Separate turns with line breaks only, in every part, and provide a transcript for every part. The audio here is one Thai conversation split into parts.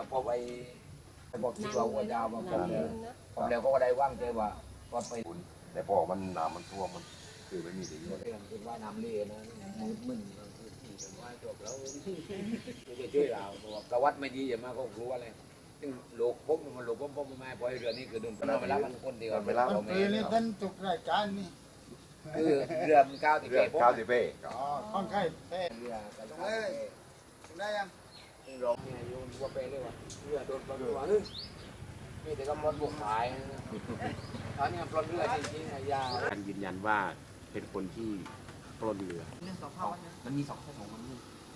พอไปบอกที่เราหัวยาวมาผมแล้วก็ได้ว่างใจว่าไป
แต่พอมันน้ำมันท่วมมันคือไม่มีที่อยู่
เรื่องคือว่าน้ำเลี้ยนะมึนคือที่เป็นว่าจบแล้วไม่ได้ช่วยเราประวัติไม่ดีอย่ามาก็รู้อะไรซึ่งโลกพบมันโลกพบไม่พอเรือนี้คือโดนเวลามันคนเดียว
เวลา
มันปีนี้ท่านจุกรายการนี่
คือเรือมันก้าวที่
เรื่อง
เก็บ
ข้าวสิเป้
อ๋อค่อนข้างเป้
เรือ
ตรงเลยตรงได้ยัง
ร้องเนี่ยโยนว่าไปเลยว่าเรือโดนปลดตัวนึงนี่แต่ก็ปลดบุกขายตอนนี้ปลดเรือจริงๆยาว
การยืนยันว่าเป็นคนที่ปล้นเรือ
มันมีสองข้อของมันนี่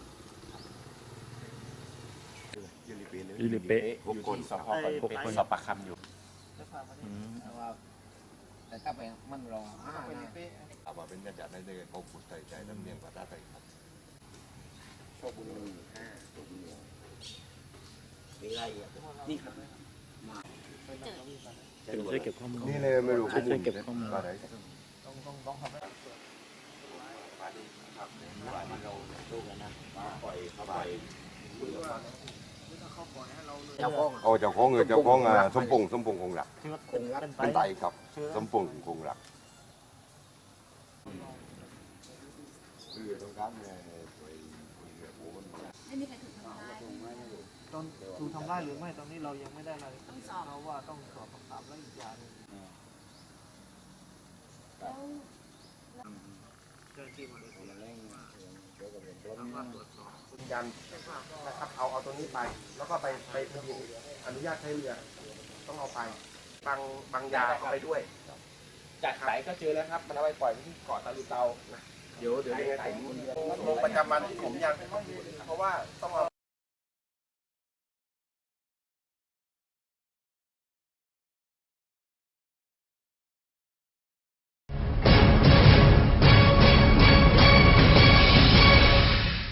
อิลิเปะ
พวกคน
สอบปากคำอยู่
แต่ถ้าไปมันรอ5 นะ
เอามาเป็นกระจาดในเดือนเขาขุดใส่ใจน้ำเนียงภาษาไทยครับ
โชคบุรีโชคบุรีมีอะไรอ่ะนี่ครับ
เป็นช่วยเก็บข้อมูล
นี่เลยไม่รู้ข้อมูล
เก็บข้อมูล
อะไร
ต้องทำให้ดูกันนะ
ปล่อยเข้าไป
เจ้าของ
เอาเจ้าของเงินเจ้าของสมพงษ์คงหลัก
คงรัก
เป็นไตครับสมพงษ์คงหลักคือตรงกลางเนี่ยไปเรือหัวมัน
ไม่มีใครถูกทำร้าย
ตอนถูกทำร้ายหรือไม่ตอนนี้เรายังไม่ได้รายละเอียด
ต้องสอบ
เพราะว่าต้องสอบปากคำและอีกอย่างหนึง
แล้ว
เจ้าหน้าที่มาโดยตรง
ทำว่าตรวจสอบ
ยืนยันนะครับเอาตัวนี้ไป แล้วก็ไปทะเบียนอนุญาตใช้เรือ ต้องเอาไปบางยาเอาไปด้วย
จากไหนก็เจอแล้วครับ
มันเอาไปปล่อยที่เกาะตะลุเตานะเดี๋ยวยังไงผมลงประจำวันที่ผมยังเพราะว่าต้องเอา